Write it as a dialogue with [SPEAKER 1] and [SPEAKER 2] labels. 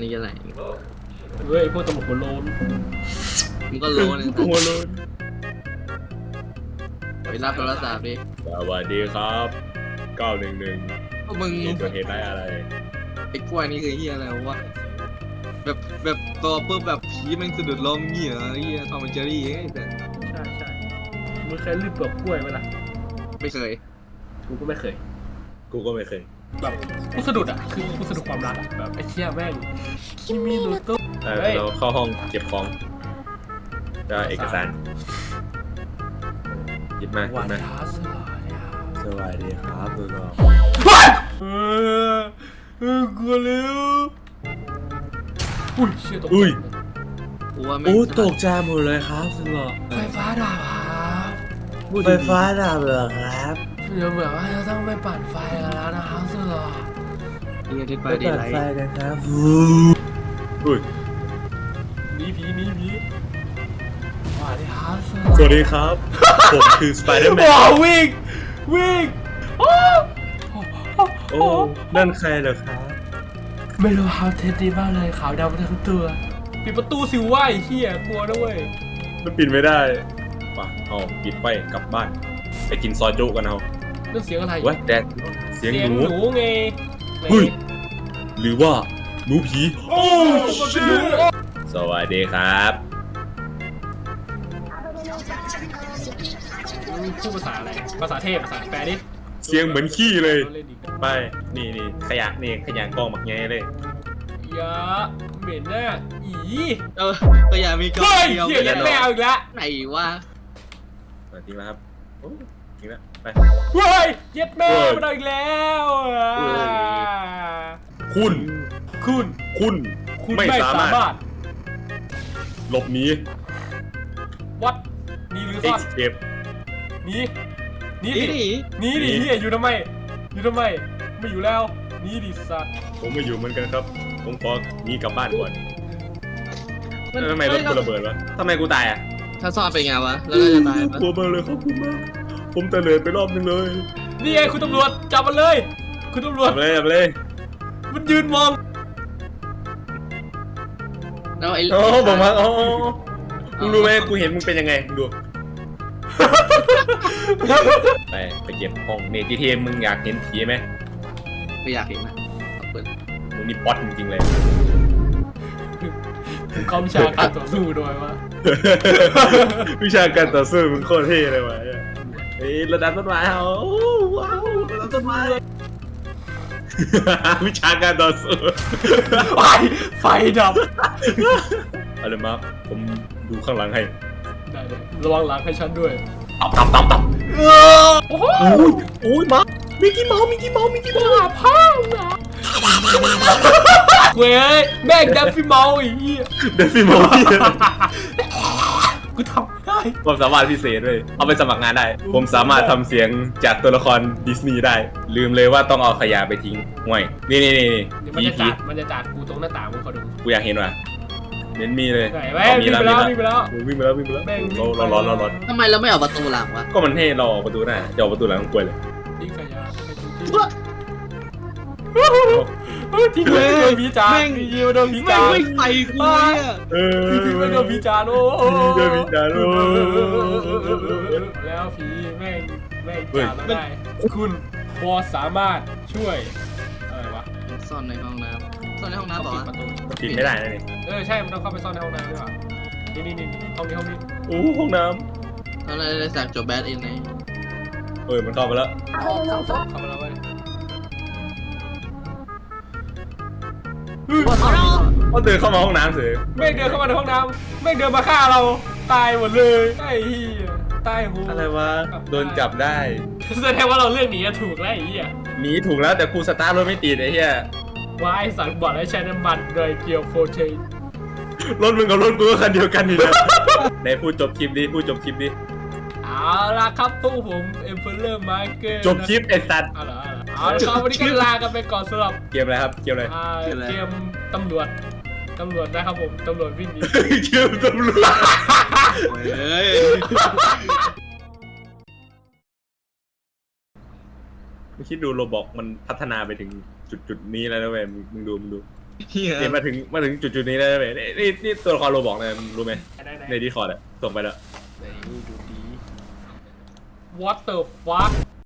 [SPEAKER 1] นี่อะไร
[SPEAKER 2] เฮ้ยพวกตำรวจหัวโลน
[SPEAKER 1] มึงก็โลนึง
[SPEAKER 2] หัวโลน
[SPEAKER 1] ไปรับโทรศัพท์ดิ
[SPEAKER 3] สวัสดีครับ911
[SPEAKER 1] พวกมึง
[SPEAKER 3] เกิดเหตุร้ายอะไร
[SPEAKER 1] ไอ้กล้วยนี่คือเฮียอะไรวะแบบตัวปุ๊บแบบผีมันสะดุดล้มเหี้ยเฮียทอมและเจอรี่ไอ้แต่
[SPEAKER 2] ใช่มึงเคยรีบดอกกล้วยไหมล่ะ
[SPEAKER 1] ไม่เคย
[SPEAKER 2] กูก็ไม่เคย
[SPEAKER 3] กูก็ไม่เคย
[SPEAKER 2] แบบกูสะดุดอ่ะคือกูสะดุดความรักอะแบบไอ้เชี่ยแม่งคิมิโนโตะ เฮ้ย
[SPEAKER 3] เราเข้าห้องเก็บของจะเอกสารหยิบมาหยิ
[SPEAKER 2] วัน
[SPEAKER 3] บมา
[SPEAKER 2] ท้าสลายเนี่ย
[SPEAKER 3] สวัสดีครับตัวน้อง
[SPEAKER 2] กลัวแล้วอุ้ยเชี่ยตกใจ
[SPEAKER 3] อุ้ย
[SPEAKER 1] กูว่าไม่
[SPEAKER 3] โอ้ตกใจหมดเลยครับสุดหล่อ
[SPEAKER 2] ไฟฟ้าดับครับ
[SPEAKER 3] ไฟฟ้าดับเหรอครับ
[SPEAKER 2] เดี๋ยวเหมือนว่าจะต้องไปปั่นไฟกันแล้วนะครับสุดหล่อ
[SPEAKER 1] เฮียทิศไป
[SPEAKER 3] ไป
[SPEAKER 1] ดี
[SPEAKER 3] เปิด
[SPEAKER 1] ไร
[SPEAKER 3] ไฟกันครับอุ้ย
[SPEAKER 2] หนีผีสวัสดีครับ
[SPEAKER 3] สวัสดีครับ ผมคือสไปเดอร์แมน
[SPEAKER 2] ว้าววิ่งโอ้
[SPEAKER 3] โอ้นั่นใครเหรอครับ
[SPEAKER 2] ไม่รู้ครับเท็ดดีมากเลยขาวดำทั้งตัวปิดประตูสิวะไอ้เหี้ยกลัวด้วย
[SPEAKER 3] มันปิดไม่ได้ป่ะเอาปิดไฟกลับบ้านไปกินซอยจุกันเอา
[SPEAKER 2] นั่นเสียงอะไร
[SPEAKER 3] เว้ยแดดเสียงหนู
[SPEAKER 2] ไง
[SPEAKER 3] เฮ้ย หรือว่าหนูผี
[SPEAKER 2] โอ้ชิ
[SPEAKER 3] สวัสดีครับ
[SPEAKER 2] พูดภาษาอะไรภาษาเทพภาษาแปลดิ
[SPEAKER 3] เสียงเหมือนขี้เลย
[SPEAKER 2] เล่นดิ
[SPEAKER 3] ไปนี่ขยะนี่ขยะกองหมักไงเลย
[SPEAKER 2] ยะเหม็นน่ะอี
[SPEAKER 1] ก็อย่ามีกล้
[SPEAKER 2] เฮ้ย
[SPEAKER 1] เดียว
[SPEAKER 2] เหี้ยยันแมวอีกแล้ว
[SPEAKER 1] ไหนวะ
[SPEAKER 3] จริงแล้วครับโอ้จริงแล้วไป
[SPEAKER 2] เฮ้ยเย็ดแม่มาอีกแล้วอ่ะ
[SPEAKER 3] คุณ
[SPEAKER 2] คุณ
[SPEAKER 3] ไม่
[SPEAKER 2] ไม่
[SPEAKER 3] สา
[SPEAKER 2] สาม
[SPEAKER 3] ารถ
[SPEAKER 2] มารถ
[SPEAKER 3] หลบหนี
[SPEAKER 2] วัดหนีหรือ
[SPEAKER 3] เอ็
[SPEAKER 2] ซ่
[SPEAKER 3] ก
[SPEAKER 2] อน
[SPEAKER 3] ซ์เคป
[SPEAKER 2] หนีหนี
[SPEAKER 1] นี่
[SPEAKER 2] ดิ
[SPEAKER 1] นี่
[SPEAKER 2] หนีดิเฮียอยู่ทำไมไม่อยู่แล้วหนีดิสัตว์
[SPEAKER 3] ผมไม่อยู่เหมือนกันครับ ผมขอหนีกลับบ้านก่อนทำไมรถกูระเบิดวะทำไมกูตายอ่ะ
[SPEAKER 1] ถ้าซ่อนเป็นไงวะแล้วเราจะตายปะ
[SPEAKER 3] กลัวมากเลยครับคุณมากผมตะเลิดไปรอบนึงเลย
[SPEAKER 2] นี่ไงคุณตำรวจจับมันเลยคุณตำรวจ
[SPEAKER 3] จับเลย
[SPEAKER 2] มันยืนมอง
[SPEAKER 1] แล้วไอ้
[SPEAKER 3] โอ้บอกมาอ๋อมึงรู้ไหมกูเห็นมึงเป็นยังไงมึงดู ไปเก็บห้องเนจิเทมมึงอยากเห็นผีไหม
[SPEAKER 1] ไม่อยากเห็นนะเปิด
[SPEAKER 3] มึงนี่ป๊อตจริงๆเลย
[SPEAKER 2] เขาวิชาการต่อสู้โดยวะ
[SPEAKER 3] วิชาการต่อสู้มึงโคตรเท่เลยวะเฮ้ยระดับต้นไม้เอาว้าวระดับต้นไม้ วิชาการต่อสู้
[SPEAKER 2] ไฟดับ
[SPEAKER 3] อะไรมาผมดูข้างหลังให้
[SPEAKER 2] ได้เลยระวังหลังให้ฉันด้วย
[SPEAKER 3] ตับ
[SPEAKER 2] โอ้โห
[SPEAKER 3] โอ้ยมามิกกี้เมาส์
[SPEAKER 2] พ่อนะเว้ยแม่งดับฟิเมาอีก
[SPEAKER 3] เดฟฟี่เมาส์
[SPEAKER 2] กูทำได้
[SPEAKER 3] ความสามารถพิเศษเลยเอาไปสมัครงานได้ ผมสามารถทำเสียงจากตัวละครดิสนีย์ได้ ลืมเลยว่าต้องเอาขยะไปทิ้งห่วยนี่
[SPEAKER 2] เดี๋ยวมันจะจัดกูตรงหน้าต่างมึงขอดู
[SPEAKER 3] กูอยากเห็นว่ะเน้นมีเลย
[SPEAKER 2] ไหนแม่งวิ่งไปแล้ว
[SPEAKER 3] วิ่งไปแล้ว
[SPEAKER 2] แม่งวิ่ง
[SPEAKER 3] เราร้อน
[SPEAKER 1] ทำไมเราไม่ออกประตูหลังวะ
[SPEAKER 3] ก็มันให้เราออกประตูหน้าจะออกประตูหลังกล้วยเลย
[SPEAKER 2] ทิ้งขยะทิ้งเลยโดนผีจานทิ้งโดนผี
[SPEAKER 1] ไม่
[SPEAKER 2] จาน
[SPEAKER 1] วิ่งไปกูเนี่ย
[SPEAKER 2] ทิ้งไปโดนผีจานโอ้
[SPEAKER 3] เดินมีจานโอ้
[SPEAKER 2] แล้วผีแม่งจานได้คุณพอสามารถช่วยอะไรวะ
[SPEAKER 1] ซ่อนในห้องน้ำซ่อนในห้องน้ำเปล่า
[SPEAKER 2] ปิด
[SPEAKER 1] วะ
[SPEAKER 2] ประตู
[SPEAKER 3] ปิดไม่ได้นะนี่
[SPEAKER 2] ใช่มันต้องเข้าไปซ่อนในห้องน้ำด้วยว่ะนี่ห้องนี้
[SPEAKER 3] โอ้ห้องน้
[SPEAKER 1] แล้วเราได้สักจบแบดอินไง
[SPEAKER 3] ำมันเข้ามาแล้ว
[SPEAKER 2] เข้ามาแล้วเว้ย
[SPEAKER 3] ก็เดินเข้ามาห้องน้ำเสือ
[SPEAKER 2] แม่งเดินเข้ามาในห้องน้ำแม่งเดินมาฆ่าเราตายหมดเลยไอ้เหี้ยตายหู
[SPEAKER 3] อะไรวะโดนจับได้
[SPEAKER 2] แสดงว่าเราเลือกหนีถูกแล้วไอ้เหี้ย
[SPEAKER 3] หนีถูกแล้วแต่กูสตาร์ทรถไม่ติดไอ้เหี้ย
[SPEAKER 2] ว่าไอ้สัตว์บอดให้ใช้น้ำมันโดยเกียวโฟเชน
[SPEAKER 3] รถมึงกับรถกูก็คันเดียวกันนี่แหละไหนพูดจบคลิปดิ
[SPEAKER 2] เอาล่ะครับพวกผมเอ็มเพลเลอร์มาร์เก็ต
[SPEAKER 3] จบคลิปไอ้สัตว์
[SPEAKER 2] เอาล่ะครับวันนี้ก็ลากันไปก่อนสำหรับ
[SPEAKER 3] เกมอะไรครับเกมอะไร
[SPEAKER 2] เกมตำรวจนะครับผมตำรวจวิ่งหนี
[SPEAKER 3] เกมตำรวจ
[SPEAKER 1] เฮ้ย
[SPEAKER 3] ไม่คิดดูโรบอกมันพัฒนาไปถึงจุดนี้แล้วนะเว้ยมึงดู
[SPEAKER 1] เฮีย
[SPEAKER 3] เนี่ยมาถึงจุดนี้แล้วไหมนี่ตัวละครโรบอกนะรู้ไหม
[SPEAKER 2] ได้ไหน
[SPEAKER 3] ในดีคอร์ดอะส่งไปแล้ว
[SPEAKER 2] ดูดี What the fuck